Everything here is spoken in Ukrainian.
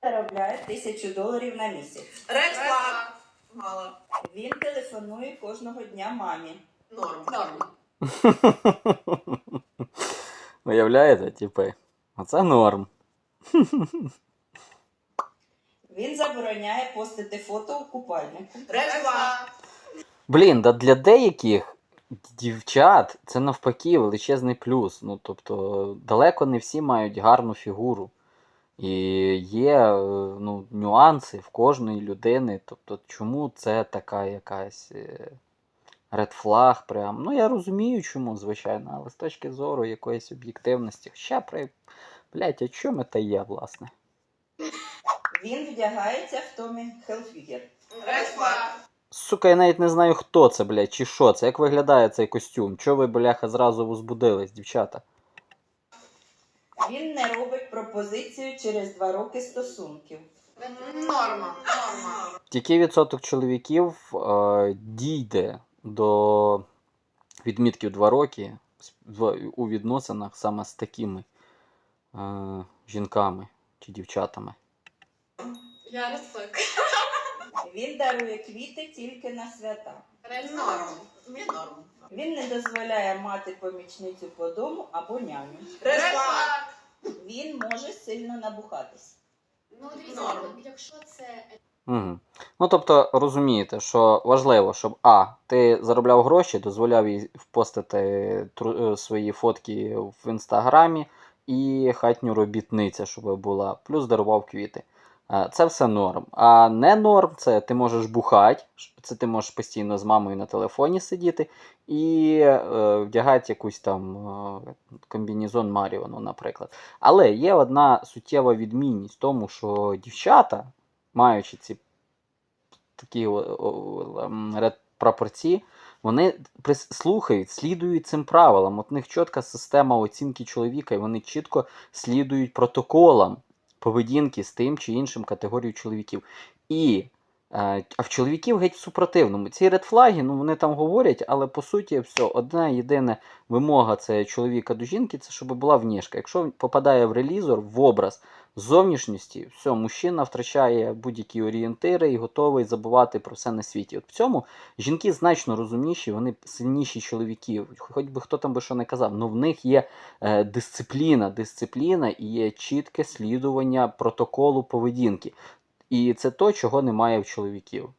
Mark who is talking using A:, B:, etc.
A: заробляє $1000 на місяць.
B: Ред флаг. Мало.
A: Він телефонує кожного дня мамі.
B: Норм.
C: Уявляєте, типи? Оце норм.
A: Він забороняє постити фото у купальнику.
B: Ред флаг.
C: Блін, да для деяких дівчат це навпаки величезний плюс. Ну, тобто, далеко не всі мають гарну фігуру. І є нюанси в кожної людини. Тобто, чому це така якась ред флаг прям. Ну, я розумію, чому, звичайно, але з точки зору якоїсь об'єктивності. Хоча, блять, а чому це є, власне?
A: Він вдягається в Томі Хелфігер.
B: Ред флаг.
C: Сука, я навіть не знаю, хто це, блядь, чи що це. Як виглядає цей костюм? Чого ви, бляха, зразу возбудились, дівчата?
A: Він не робить пропозицію через 2 роки стосунків.
B: Норма.
C: Який відсоток чоловіків дійде до відмітків 2 роки у відносинах саме з такими жінками чи дівчатами?
D: Я ред флаг.
A: Він дарує квіти тільки на свята.
B: Норм.
A: Він не дозволяє мати помічницю по дому або няню.
B: Ред флаг.
A: Він може сильно набухатись.
D: Ну, дивіться,
B: Норм.
D: якщо це
C: Угу. Ну, тобто, розумієте, що важливо, щоб ти заробляв гроші, дозволяв їй впостити свої фотки в інстаграмі і хатню робітниця, щоб була, плюс дарував квіти. Це все норм. А не норм, це ти можеш бухати, це ти можеш постійно з мамою на телефоні сидіти і вдягати якусь там комбінезон Маріону, наприклад. Але є одна суттєва відмінність в тому, що дівчата, маючи ці такі прапорці, вони слухають, слідують цим правилам. От у них чітка система оцінки чоловіка, і вони чітко слідують протоколам поведінки з тим чи іншим категорією чоловіків. А в чоловіків геть в супротивному. Ці редфлаги, вони там говорять, але по суті все, одна єдина вимога це чоловіка до жінки, це щоб була внешка. Якщо попадає в релізор, в образ зовнішності, все, мужчина втрачає будь-які орієнтири і готовий забувати про все на світі. От в цьому жінки значно розумніші, вони сильніші чоловіків. Хоч би хто там би що не казав, але в них є дисципліна і є чітке слідування протоколу поведінки. І це то, чого немає в чоловіків.